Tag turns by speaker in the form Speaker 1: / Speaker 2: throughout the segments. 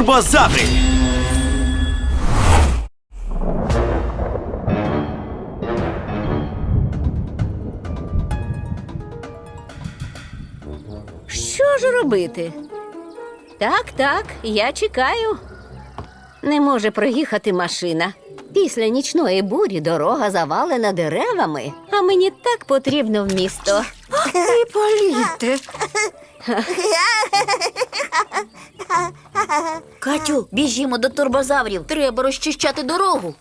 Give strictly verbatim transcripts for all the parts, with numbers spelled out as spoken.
Speaker 1: Турбозаври!
Speaker 2: Що ж робити? Так, так, я чекаю. Не може проїхати машина. Після нічної бурі дорога завалена деревами, а мені так потрібно в місто. І політи.
Speaker 3: Катю, біжімо до турбозаврів. Треба розчищати дорогу.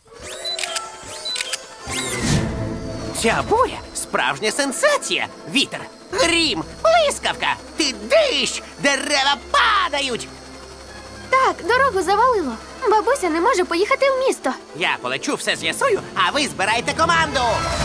Speaker 4: Ця буря – справжня сенсація. Вітер, грім, блискавка, ти дощ, дерева падають.
Speaker 5: Так, дорогу завалило. Бабуся не може поїхати в місто.
Speaker 4: Я полечу, все з'ясую, а ви збирайте команду.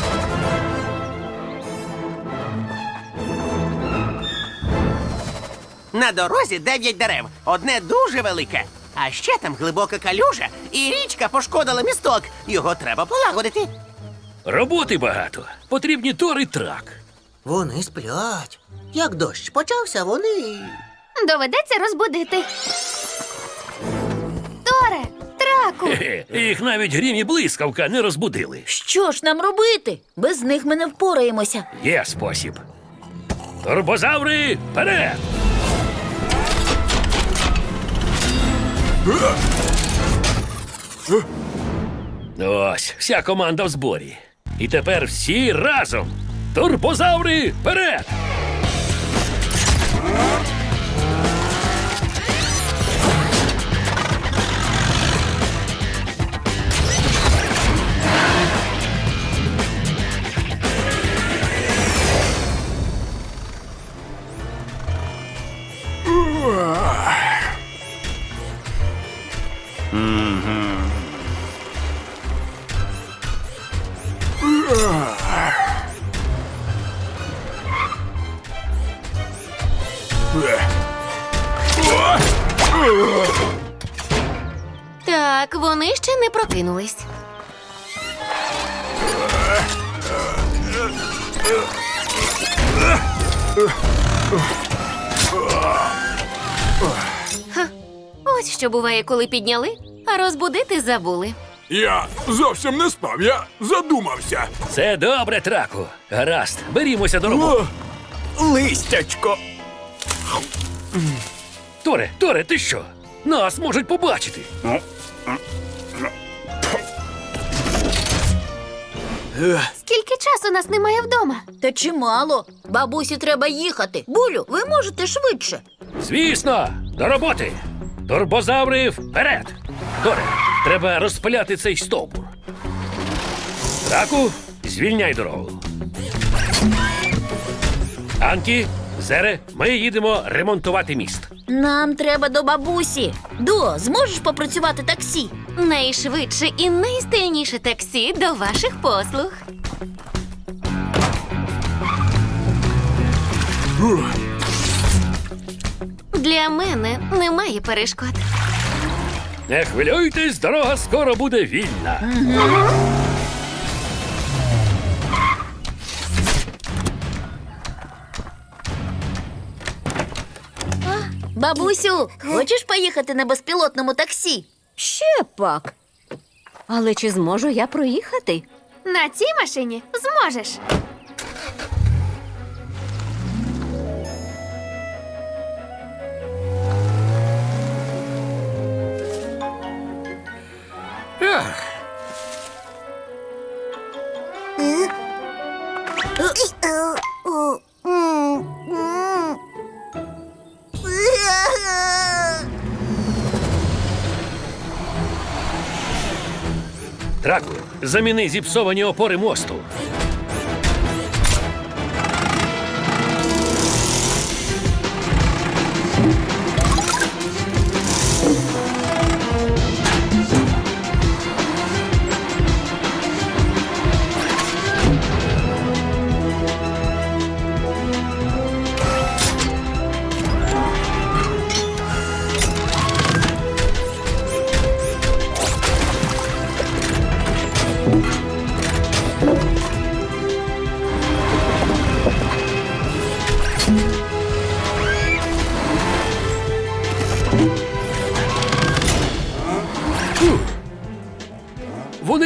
Speaker 4: На дорозі дев'ять дерев, одне дуже велике. А ще там глибока калюжа, і річка пошкодила місток. Його треба полагодити.
Speaker 6: Роботи багато. Потрібні тор і трак.
Speaker 7: Вони сплять. Як дощ почався, вони...
Speaker 5: Доведеться розбудити. Торе, траку.
Speaker 6: Хе-хе, їх навіть грім і блискавка не розбудили.
Speaker 3: Що ж нам робити? Без них ми не впораємося.
Speaker 6: Є спосіб. Турбозаври, вперед! Ось, вся команда в зборі. І тепер всі разом. Турбозаври, вперед!
Speaker 5: Так, вони ще не прокинулись. Ха, ось що буває, коли підняли, а розбудити забули.
Speaker 8: Я зовсім не спав, я задумався.
Speaker 6: Це добре, траку. Гаразд, берімося до роботи.
Speaker 1: Листячко!
Speaker 6: Торе, Торе, ти що? Нас можуть побачити.
Speaker 5: Скільки часу нас немає вдома?
Speaker 3: Та чимало. Бабусі треба їхати. Булю, ви можете швидше.
Speaker 6: Звісно, до роботи. Турбозаври, вперед! Торе, треба розпиляти цей стовбур. Траку, звільняй дорогу. Анкі, Зере, ми їдемо ремонтувати міст.
Speaker 3: Нам треба до бабусі. До, зможеш попрацювати таксі?
Speaker 5: Найшвидше і найстильніше таксі до ваших послуг. Для мене немає перешкод.
Speaker 6: Не хвилюйтесь, дорога скоро буде вільна.
Speaker 3: Бабусю, хочеш поїхати на безпілотному таксі?
Speaker 2: Ще пак. Але чи зможу я проїхати?
Speaker 5: На цій машині зможеш.
Speaker 6: Траку, заміни зіпсовані опори мосту.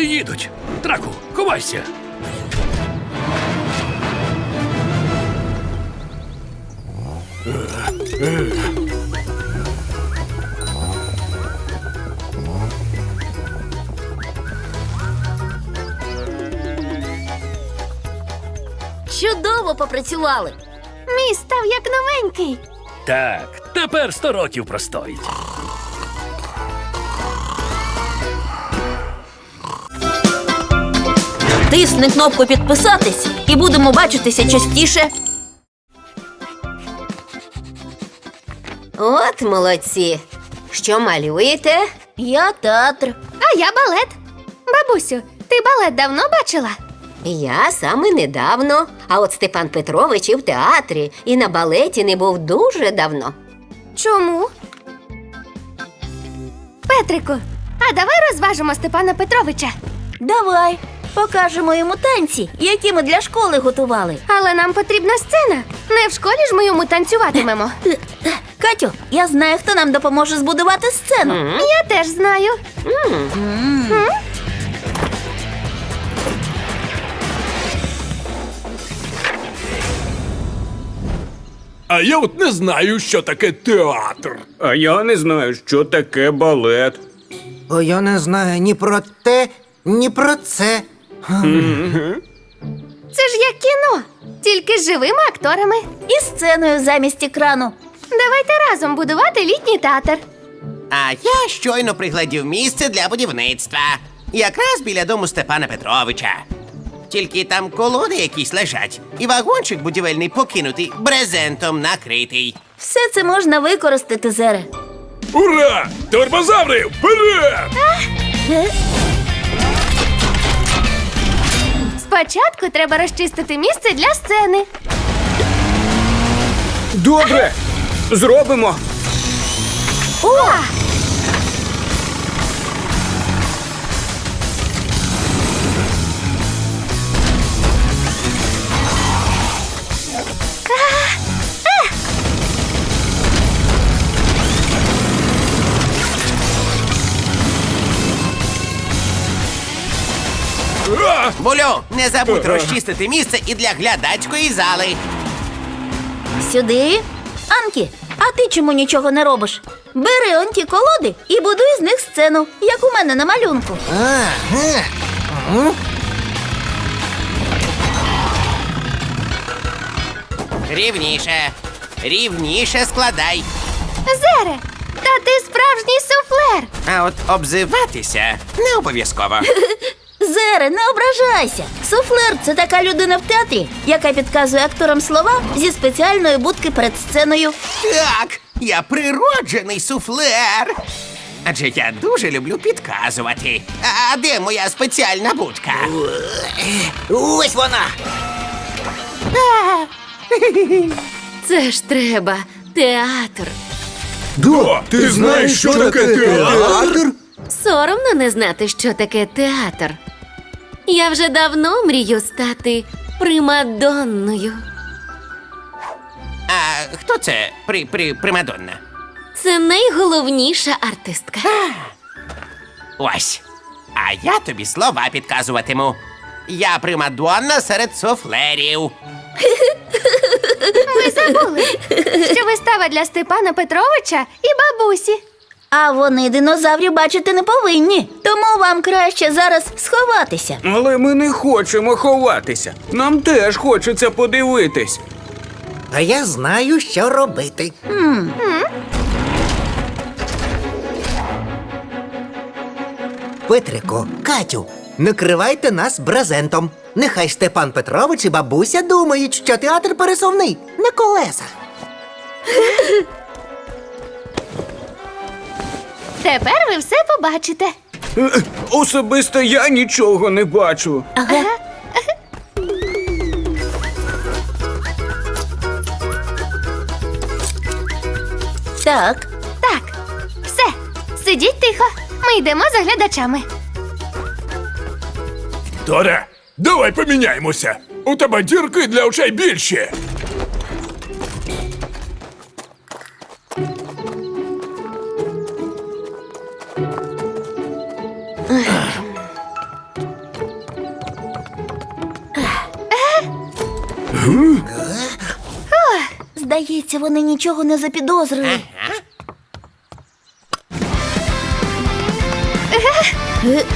Speaker 6: їдуть. Траку, ховайся.
Speaker 3: Чудово попрацювали.
Speaker 5: Мій став як новенький.
Speaker 6: Так, тепер сто років простоїть.
Speaker 3: Тисни кнопку підписатись і будемо бачитися частіше.
Speaker 2: От молодці. Що малюєте?
Speaker 3: Я театр.
Speaker 5: А я балет. Бабусю, ти балет давно бачила?
Speaker 2: Я саме недавно. А от Степан Петрович і в театрі, і на балеті не був дуже давно.
Speaker 5: Чому? Петрику, а давай розважимо Степана Петровича.
Speaker 3: Давай, покажемо йому танці, які ми для школи готували.
Speaker 5: Але нам потрібна сцена. Не в школі ж ми йому танцюватимемо.
Speaker 3: Катю, я знаю, хто нам допоможе збудувати сцену.
Speaker 5: Я теж знаю.
Speaker 8: А я от не знаю, що таке театр.
Speaker 1: А я не знаю, що таке балет.
Speaker 7: О, я не знаю ні про те, ні про це.
Speaker 5: Це ж як кіно, тільки з живими акторами.
Speaker 3: І сценою замість екрану.
Speaker 5: Давайте разом будувати літній театр.
Speaker 4: А я щойно приглядів місце для будівництва. Якраз біля дому Степана Петровича. Тільки там колоди якісь лежать, і вагончик будівельний покинутий, брезентом накритий.
Speaker 3: Все це можна використати, Зере.
Speaker 8: Ура! Турбозаври, вперед!
Speaker 5: Спочатку треба розчистити місце для сцени.
Speaker 1: Добре, зробимо.
Speaker 5: О!
Speaker 8: А!
Speaker 4: Булю, не забудь розчистити місце і для глядацької зали.
Speaker 3: Сюди. Анкі, а ти чому нічого не робиш? Бери он ті колоди і будуй з них сцену, як у мене на малюнку.
Speaker 7: Ага.
Speaker 4: Рівніше. Рівніше складай.
Speaker 5: Зере, та ти справжній суфлер.
Speaker 4: А от обзиватися не обов'язково.
Speaker 3: Зере, не ображайся. Суфлер – це така людина в театрі, яка підказує акторам слова зі спеціальної будки перед сценою.
Speaker 4: Так, я природжений суфлер. Адже я дуже люблю підказувати. А де моя спеціальна будка?
Speaker 7: Ось вона.
Speaker 5: Це ж треба. Театр.
Speaker 8: Да, ти знаєш, що таке театр?
Speaker 5: Соромно не знати, що таке театр. Я вже давно мрію стати примадонною.
Speaker 4: А хто це при, при, примадонна?
Speaker 5: Це найголовніша артистка.
Speaker 4: Ось. А я тобі слова підказуватиму. Я примадонна серед суфлерів.
Speaker 5: Ви забули, що вистава для Степана Петровича і бабусі.
Speaker 3: А вони динозаврів бачити не повинні. Тому вам краще зараз сховатися.
Speaker 1: Але ми не хочемо ховатися. Нам теж хочеться подивитись.
Speaker 7: А я знаю, що робити. Петрико, Катю, накривайте нас брезентом. Нехай Степан Петрович і бабуся думають, що театр пересувний на колесах.
Speaker 5: Тепер ви все побачите.
Speaker 1: Е, Особисто я нічого не бачу.
Speaker 3: Ага. Так.
Speaker 5: Так, все, сидіть тихо. Ми йдемо за глядачами.
Speaker 8: Торе, давай поміняємося. У тебе дірки для очей більші.
Speaker 3: Здається, вони нічого не запідозрили. Е?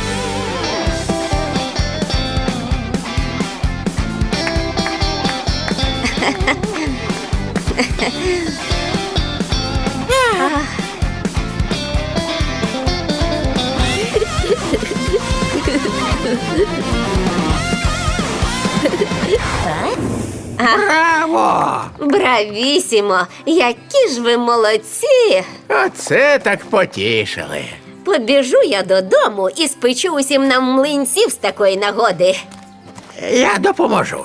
Speaker 9: Браво!
Speaker 2: Бравісімо! Які ж ви молодці!
Speaker 9: Оце так потішили.
Speaker 2: Побіжу я додому і спечу усім нам млинців з такої нагоди.
Speaker 9: Я допоможу.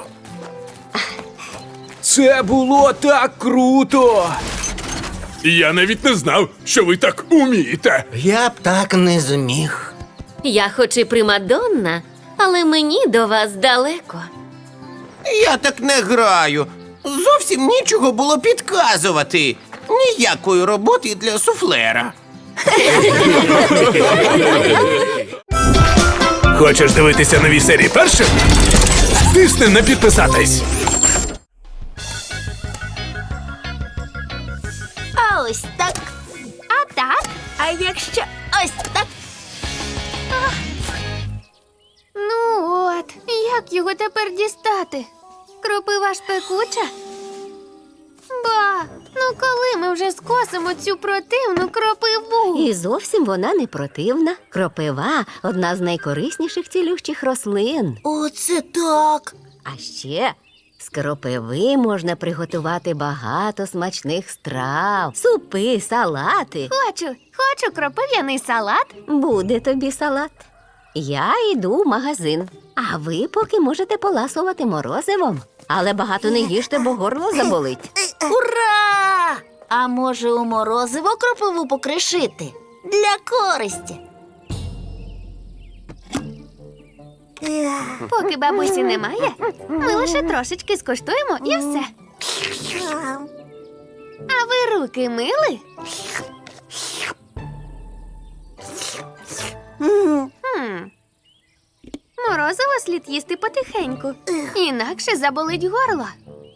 Speaker 1: Це було так круто!
Speaker 8: Я навіть не знав, що ви так умієте.
Speaker 7: Я б так не зміг.
Speaker 5: Я хоч і примадонна, але мені до вас далеко.
Speaker 4: Я так не граю. Зовсім нічого було підказувати. Ніякої роботи для суфлера.
Speaker 8: Хочеш дивитися нові серії першим? Тисни на підписатись.
Speaker 3: А ось так. А так? А якщо ось так?
Speaker 10: Ну от, як його тепер дістати? Кропива ж пекуча? Ба, ну коли ми вже скосимо цю противну кропиву?
Speaker 2: І зовсім вона не противна. Кропива – одна з найкорисніших цілющих рослин.
Speaker 3: Оце так.
Speaker 2: А ще з кропиви можна приготувати багато смачних страв. Супи, салати.
Speaker 10: Хочу, хочу кропив'яний салат.
Speaker 2: Буде тобі салат. Я йду в магазин, а ви поки можете поласувати морозивом. Але багато не їжте, бо горло заболить.
Speaker 3: Ура! А може у морозиво кропиву покришити? Для користі.
Speaker 10: Поки бабусі немає, ми лише трошечки скуштуємо і все. А ви руки мили? Хм. Морозиво слід їсти потихеньку, інакше заболить горло.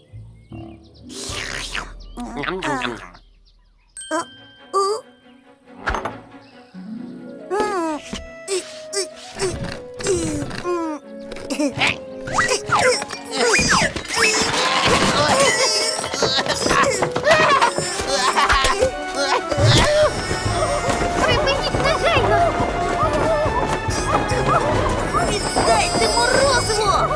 Speaker 10: Припиніть негайно!
Speaker 3: Віддайте морозиво!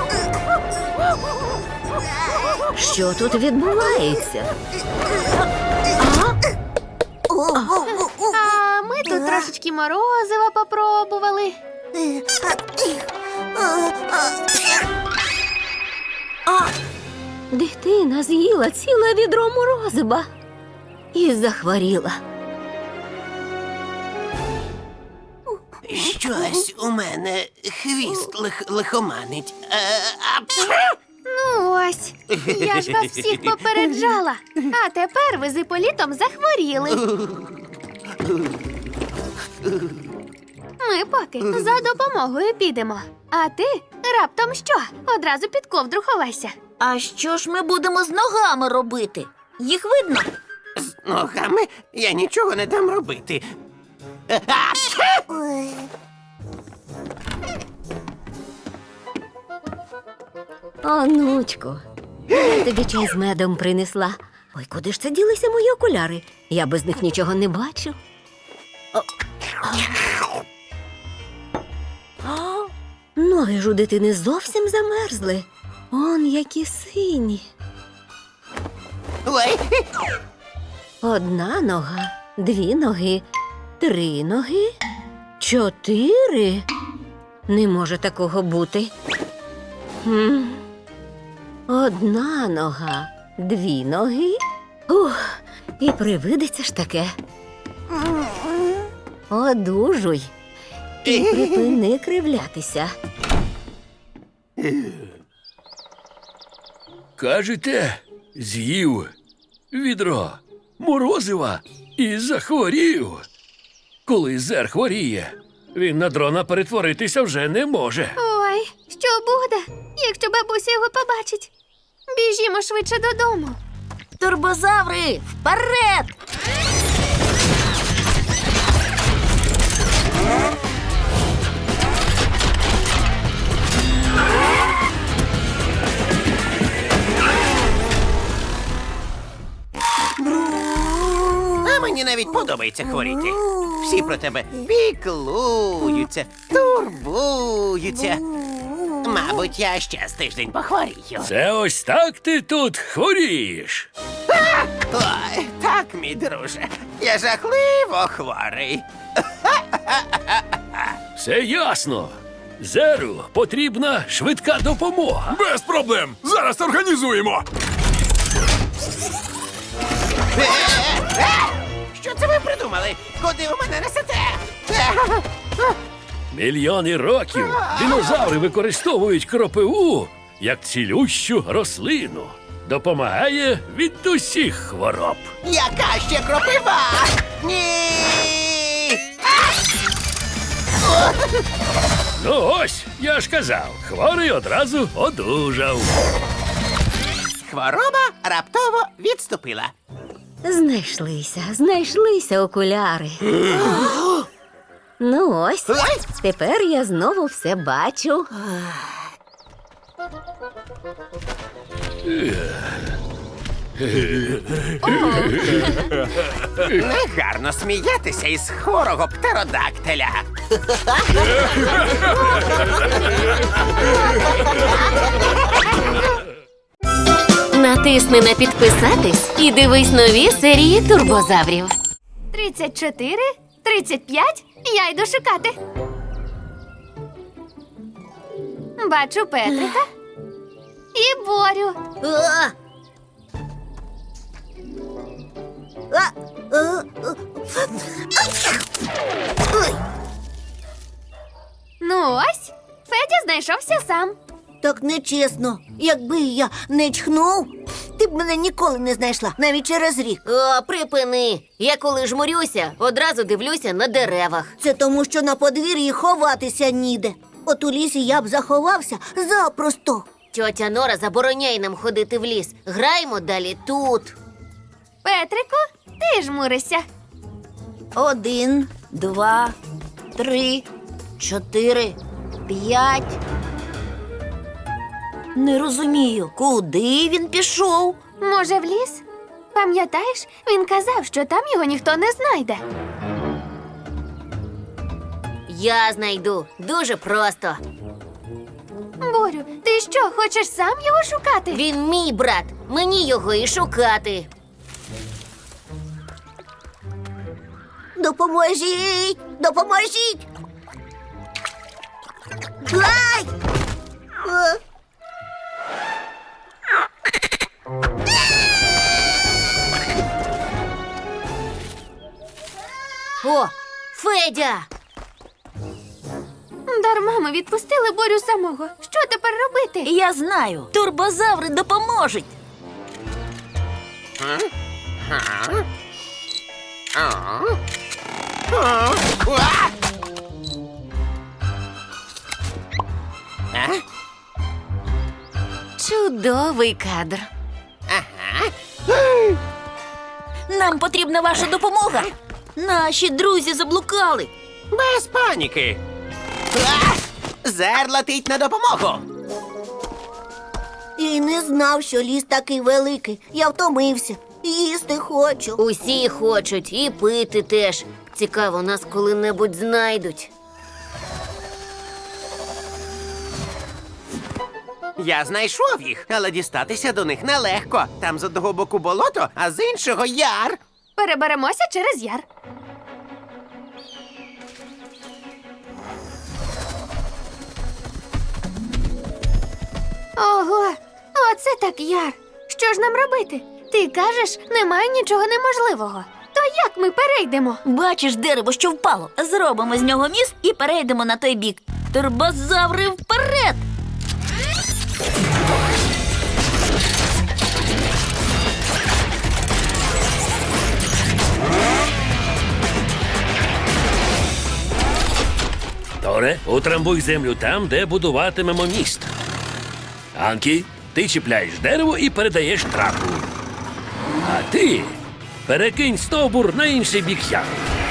Speaker 2: Що тут відбувається?
Speaker 10: А ми тут трошечки морозива попробували.
Speaker 2: Дитина з'їла ціле відро морозива і захворіла.
Speaker 4: Щось у мене хвіст лих лихоманить. Е, а,
Speaker 10: Ну ось, я ж вас всіх попереджала. А тепер ви з Іполітом захворіли. Ми поки за допомогою підемо. А ти раптом що? Одразу під ковдру ховайся.
Speaker 3: А що ж ми будемо з ногами робити? Їх видно?
Speaker 4: з ногами я нічого не дам робити. Е, а,
Speaker 2: Онучко, я тобі чай з медом принесла. Ой, куди ж це ділися мої окуляри? Я без них нічого не бачу. О, а. А, ноги ж у дитини зовсім замерзли. Он які сині.
Speaker 4: Ой,
Speaker 2: Одна нога, дві ноги, три ноги, чотири. Не може такого бути. Хм. Одна нога, дві ноги. Ух, і привидеться ж таке. Одужуй. І припини кривлятися.
Speaker 6: Кажете, з'їв відро морозива і захворів. Коли зер хворіє, він на дрона перетворитися вже не може.
Speaker 10: Ой, що буде, якщо бабуся його побачить? Біжімо швидше додому.
Speaker 3: Турбозаври, вперед!
Speaker 4: А мені навіть подобається хворіти. Всі про тебе піклуються, турбуються. Мабуть, я ще з тиждень похворію.
Speaker 6: Це ось так ти тут хворієш.
Speaker 4: Ой, так, мій друже. Я жахливо хворий.
Speaker 6: Все ясно. Зеру потрібна швидка допомога.
Speaker 8: Без проблем! Зараз організуємо!
Speaker 4: Е, е, Що це ви придумали? Куди ви мене несете? Е,
Speaker 6: Мільйони років динозаври використовують кропиву як цілющу рослину. Допомагає від усіх хвороб.
Speaker 4: Яка ще кропива? Ні!
Speaker 6: Ну ось, я ж казав, хворий одразу одужав.
Speaker 4: Хвороба раптово відступила.
Speaker 2: Знайшлися, знайшлися окуляри. Ну ось, тепер я знову все бачу.
Speaker 4: Негарно сміятися із хворого птеродактиля.
Speaker 5: Натисни на підписатись і дивись нові серії турбозаврів.
Speaker 10: Тридцять чотири, тридцять п'ять, я йду шукати. Бачу Петрика і Борю.
Speaker 3: А! А! А! Ой,
Speaker 10: Ну ось, Федя знайшовся сам.
Speaker 3: так нечесно. Якби я не чхнув, ти б мене ніколи не знайшла, навіть через рік.
Speaker 5: О, припини. Я коли жмурюся, одразу дивлюся на деревах.
Speaker 3: Це тому, що на подвір'ї ховатися ніде. От у лісі я б заховався запросто.
Speaker 5: Тьотя Нора забороняє нам ходити в ліс. Граємо далі тут.
Speaker 10: Петрику, ти жмуришся.
Speaker 3: Один, два, три, чотири, п'ять. Не розумію, куди він пішов?
Speaker 10: Може, в ліс? Пам'ятаєш, він казав, що там його ніхто не знайде.
Speaker 5: Я знайду. Дуже просто.
Speaker 10: Борю, ти що, хочеш сам його шукати?
Speaker 5: Він мій брат. Мені його і шукати.
Speaker 3: Допоможіть! Допоможіть! Ай! Е.
Speaker 5: О, Федя!
Speaker 10: Дарма ми відпустили Борю самого. Що тепер робити?
Speaker 3: Я знаю, турбозаври допоможуть.
Speaker 4: А?
Speaker 5: Чудовий кадр.
Speaker 3: Нам потрібна ваша допомога. Наші друзі заблукали.
Speaker 4: Без паніки. А! Зер летить на допомогу.
Speaker 3: І не знав, що ліс такий великий. Я втомився. Їсти хочу.
Speaker 5: Усі хочуть і пити теж. Цікаво, нас коли-небудь знайдуть.
Speaker 4: Я знайшов їх, але дістатися до них нелегко. Там з одного боку болото, а з іншого яр.
Speaker 10: Переберемося через яр. Ого, оце так яр. Що ж нам робити? Ти кажеш, немає нічого неможливого. То як ми перейдемо?
Speaker 3: Бачиш дерево, що впало. Зробимо з нього міст і перейдемо на той бік. Турбозаври вперед!
Speaker 6: Торе, утрамбуй землю там, де будуватимемо міст. Анкі, ти чіпляєш дерево і передаєш трапу. А ти перекинь стовбур на інший бік яру.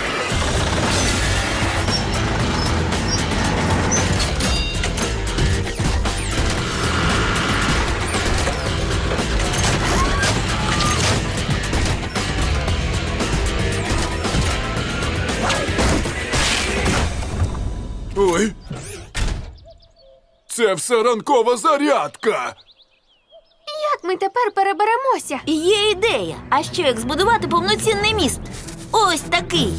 Speaker 8: Ой. Це все ранкова зарядка.
Speaker 10: Як ми тепер переберемося?
Speaker 3: Є ідея. А що як збудувати повноцінний міст? Ось такий.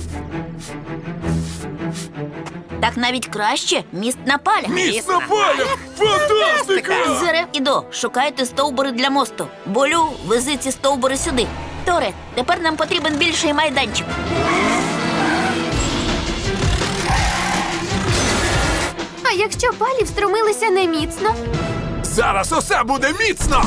Speaker 3: Так навіть краще міст на палях.
Speaker 8: Міст на палях! Фантастика!
Speaker 3: Зере і До, шукайте стовбури для мосту. Болю, вези ці стовбури сюди. Торе, тепер нам потрібен більший майданчик.
Speaker 10: А якщо палі встромилися неміцно?
Speaker 8: Зараз усе буде міцно!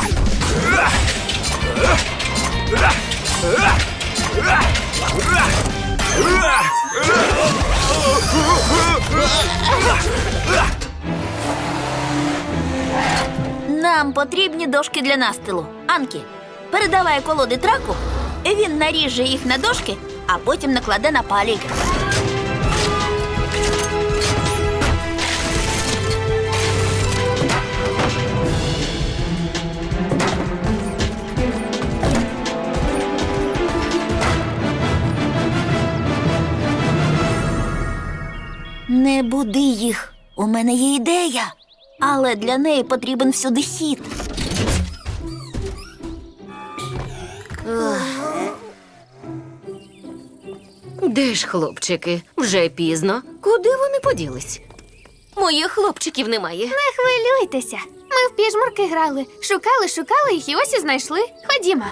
Speaker 3: Нам потрібні дошки для настилу. Анкі, передавай колоди траку, він наріже їх на дошки, а потім накладе на палі. Не буди їх. У мене є ідея. Але для неї потрібен всюди хід.
Speaker 5: Де ж хлопчики? Вже пізно. Куди вони поділись? Моїх хлопчиків немає.
Speaker 10: Не хвилюйтеся. Ми в піжмурки грали. Шукали, шукали їх і ось і знайшли. Ходімо.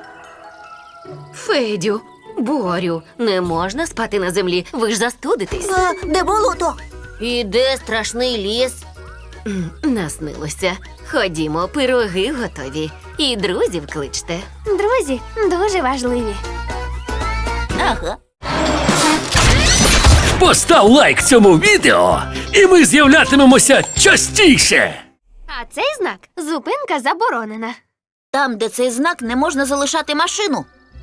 Speaker 5: Федю, Борю, не можна спати на землі. Ви ж застудитесь.
Speaker 3: А, де болото?
Speaker 5: І де страшний ліс? М, Наснилося. Ходімо, пироги готові. І друзів кличте.
Speaker 10: Друзі дуже важливі.
Speaker 3: Ага.
Speaker 6: Постав лайк цьому відео, і ми з'являтимемося частіше.
Speaker 10: А цей знак зупинка заборонена.
Speaker 3: Там, де цей знак, не можна залишати машину.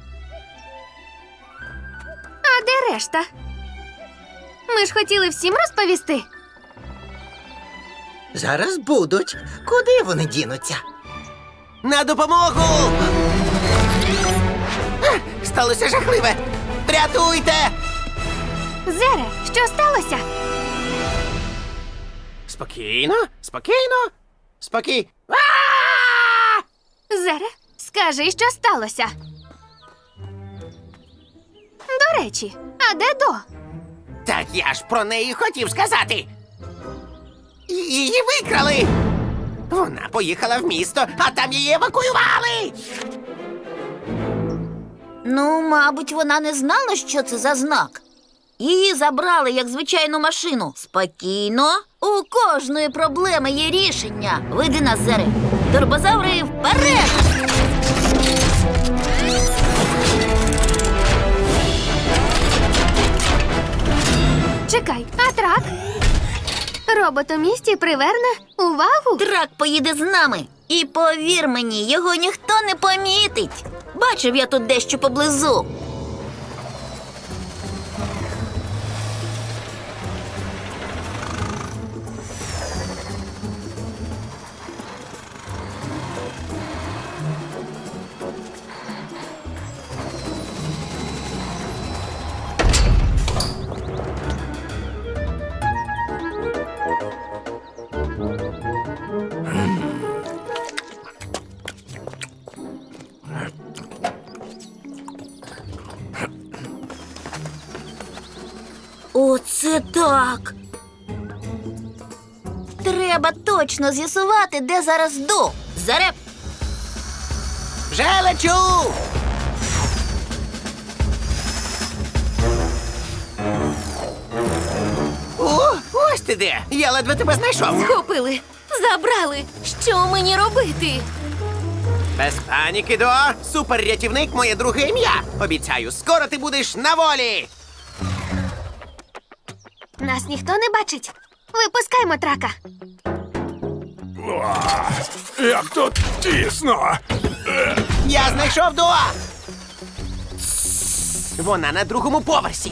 Speaker 10: А де решта? Ми ж хотіли всім розповісти.
Speaker 7: Зараз будуть. Куди вони дінуться?
Speaker 4: На допомогу! А, сталося жахливе! Рятуйте!
Speaker 10: Зере, що сталося?
Speaker 4: Спокійно, спокійно, спокій. А!
Speaker 10: Зере, скажи, що сталося. До речі, а де До?
Speaker 4: Так я ж про неї хотів сказати. Її викрали. Вона поїхала в місто, а там її евакуювали.
Speaker 3: Ну, мабуть, вона не знала, що це за знак. Її забрали як звичайну машину. Спокійно. У кожної проблеми є рішення. Веди нас, Зере. Турбозаври вперед!
Speaker 10: Чекай, а трак? Робот у місті приверне увагу?
Speaker 3: Трак поїде з нами. І повір мені, його ніхто не помітить. Бачив я тут дещо поблизу. Оце так. Треба точно з'ясувати, де зараз До. Зареп.
Speaker 4: Вже лечу! О, ось ти де! Я ледве тебе знайшов.
Speaker 5: Схопили, забрали. Що мені робити?
Speaker 4: Без паніки, До. Суперрятівник – моє друге ім'я. Обіцяю, скоро ти будеш на волі.
Speaker 10: Нас ніхто не бачить. Випускаймо трака.
Speaker 8: Як тут тісно! Е,
Speaker 4: Я знайшов До! Вона на другому поверсі.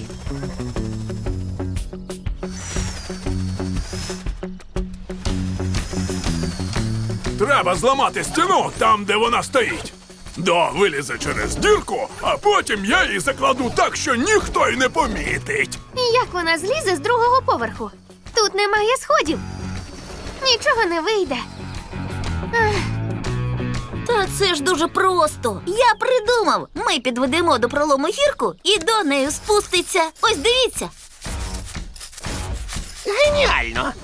Speaker 8: Треба зламати стіну там, де вона стоїть. До вилізе через дірку, а потім я її закладу так, що ніхто й не помітить.
Speaker 10: Як вона злізе з другого поверху? Тут немає сходів. Нічого не вийде.
Speaker 3: Та це ж дуже просто. Я придумав. Ми підведемо до пролому гірку і до неї спуститься. Ось дивіться.
Speaker 4: Геніально!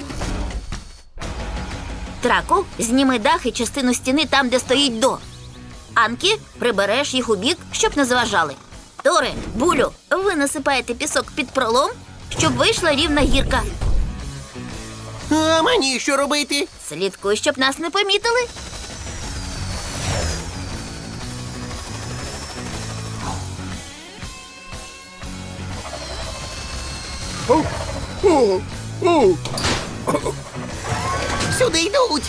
Speaker 3: Траку, зніми дах і частину стіни там, де стоїть До. Анкі, прибереш їх у бік, щоб не заважали. Торе, Булю, ви насипаєте пісок під пролом, щоб вийшла рівна гірка.
Speaker 4: А мені що робити?
Speaker 3: Слідкуй, щоб нас не помітили.
Speaker 4: Сюди йдуть!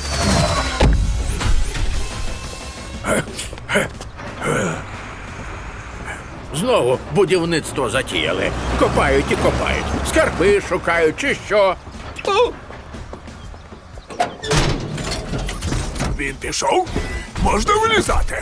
Speaker 9: Знову будівництво затіяли. Копають і копають. Скарби шукають чи що. О,
Speaker 8: Він пішов? Можна вилізати.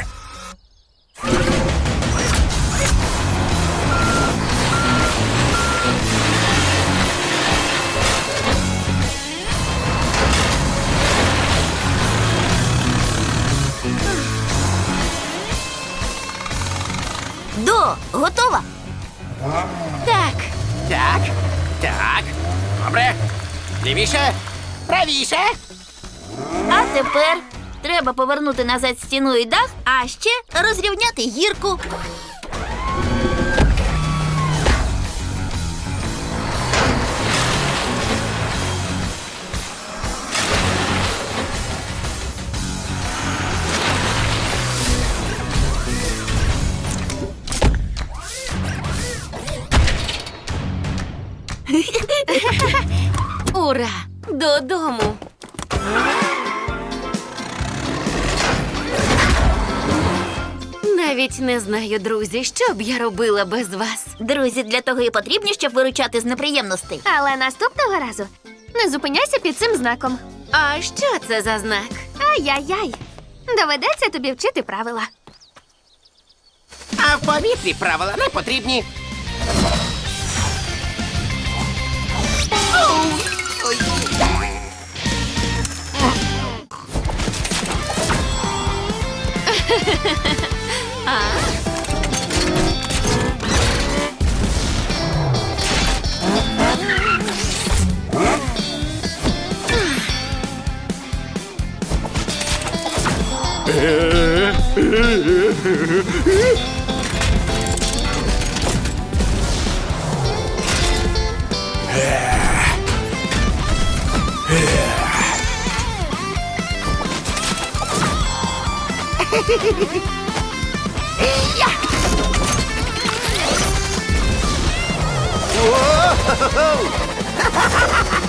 Speaker 3: До, готова?
Speaker 5: Так,
Speaker 4: Так, так. Добре. Лівіше, правіше.
Speaker 3: А тепер треба повернути назад стіну і дах, а ще розрівняти гірку.
Speaker 5: ура! Додому! Навіть не знаю, друзі, що б я робила без вас.
Speaker 3: Друзі, для того і потрібні, щоб виручати з неприємностей.
Speaker 10: Але наступного разу не зупиняйся під цим знаком.
Speaker 5: А що це за знак?
Speaker 10: Ай-яй-яй. Доведеться тобі вчити правила.
Speaker 4: А в повітрі правила не потрібні. Ой.
Speaker 7: Воу!